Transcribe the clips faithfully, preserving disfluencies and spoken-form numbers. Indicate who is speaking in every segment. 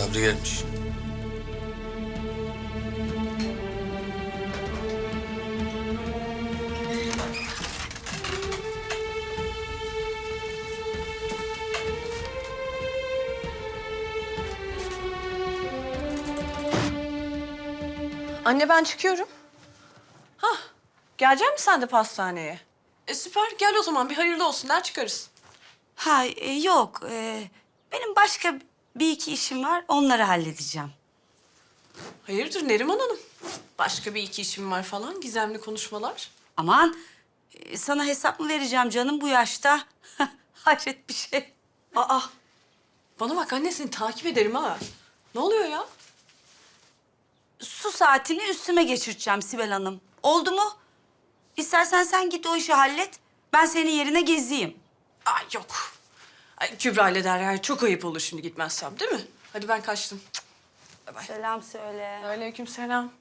Speaker 1: Sabri gelmiş.
Speaker 2: Anne ben çıkıyorum. Hah, gelecek misin sen de pastaneye? E süper, gel o zaman bir hayırlı olsun der çıkarız.
Speaker 3: Ha e, yok. e, benim başka bir iki işim var. Onları halledeceğim.
Speaker 2: Hayırdır Neriman Hanım? Başka bir iki işim var falan, gizemli konuşmalar.
Speaker 3: Aman e, sana hesap mı vereceğim canım bu yaşta? Hayret bir şey.
Speaker 2: Aa, bana bak anne seni takip ederim ha. Ne oluyor ya?
Speaker 3: Su saatini üstüme geçireceğim Sibel Hanım. Oldu mu? İstersen sen git o işi hallet. Ben senin yerine gezeyim.
Speaker 2: Ay yok. Ay, Kübra ile Derya çok ayıp olur şimdi gitmezsem değil mi? Hadi ben kaçtım. Bay bay.
Speaker 3: Selam söyle.
Speaker 2: Aleykümselam.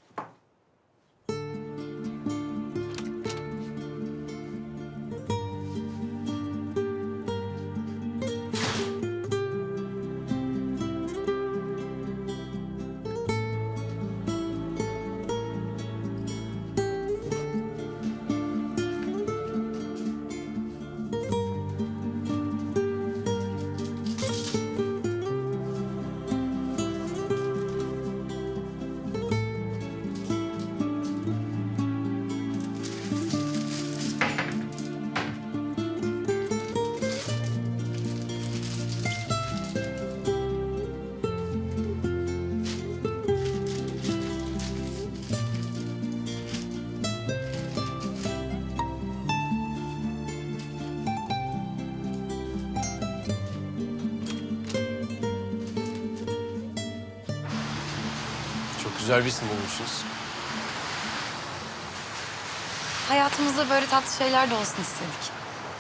Speaker 1: Çok güzel bir isim bulmuşsunuz.
Speaker 4: Hayatımızda böyle tatlı şeyler de olsun istedik.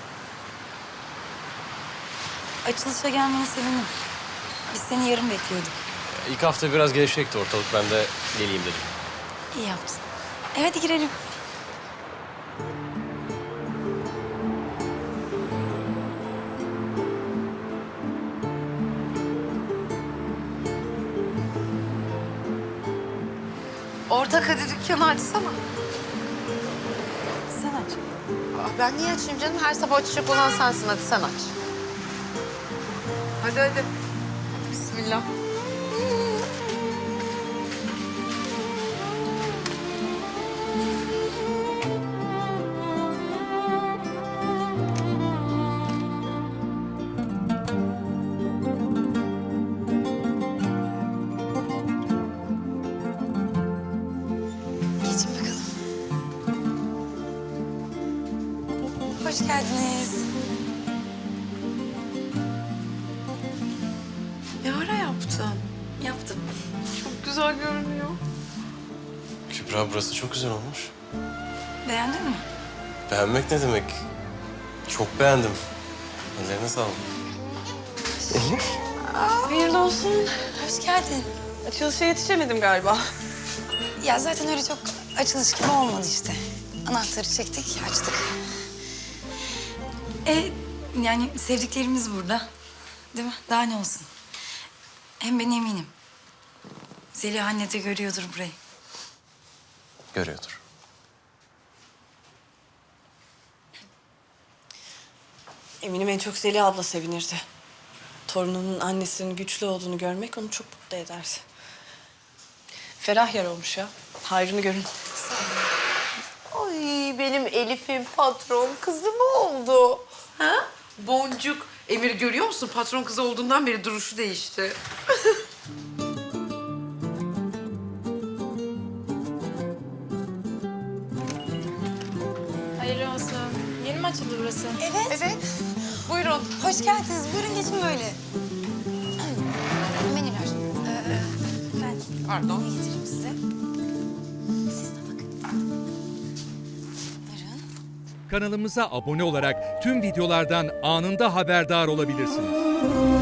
Speaker 4: Açılışa gelmene sevindim. Biz seni yarın bekliyorduk.
Speaker 1: İlk hafta biraz gevşekti ortalık. Ben de geleyim dedim.
Speaker 4: İyi yaptın. E hadi girelim.
Speaker 5: Ortak hadi dükkanı açsana.
Speaker 4: Sen aç.
Speaker 5: Aa, ben niye açayım canım? Her sabah açacak olan sensin. Hadi sen aç. Hadi hadi. Hadi bismillah.
Speaker 4: Geçin bakalım. Hoş geldiniz.
Speaker 5: Ne ara yaptın?
Speaker 4: Yaptım.
Speaker 5: Çok güzel görünüyor.
Speaker 1: Kübra burası çok güzel olmuş.
Speaker 4: Beğendin mi?
Speaker 1: Beğenmek ne demek? Çok beğendim. Ellerine sağlık.
Speaker 2: Hayırlı olsun.
Speaker 4: Hoş geldin.
Speaker 2: Açılışa yetişemedim galiba.
Speaker 4: Ya zaten öyle çok açılış gibi olmadı işte. Anahtarı çektik, açtık. E yani sevdiklerimiz burada. Değil mi? Daha ne olsun? Hem ben eminim. Zeliha anne de görüyordur burayı.
Speaker 1: Görüyordur.
Speaker 2: Eminim en çok Zeliha abla sevinirdi. Torununun annesinin güçlü olduğunu görmek onu çok mutlu ederdi. Ferah yer olmuş ya. Hayrını görün.
Speaker 5: Ay benim Elif'in patron kızı mı oldu?
Speaker 6: Ha? Boncuk. Emir görüyor musun? Patron kızı olduğundan beri duruşu değişti.
Speaker 7: Hayırlı olsun. Yeni mi açıldı burası?
Speaker 4: Evet.
Speaker 5: Evet. Buyurun.
Speaker 4: Hoş geldiniz. Buyurun geçin böyle. Menüler. Ee, ben
Speaker 5: Pardon.
Speaker 4: getireyim size. Siz de bakın. Buyurun.
Speaker 8: Kanalımıza abone olarak tüm videolardan anında haberdar olabilirsiniz.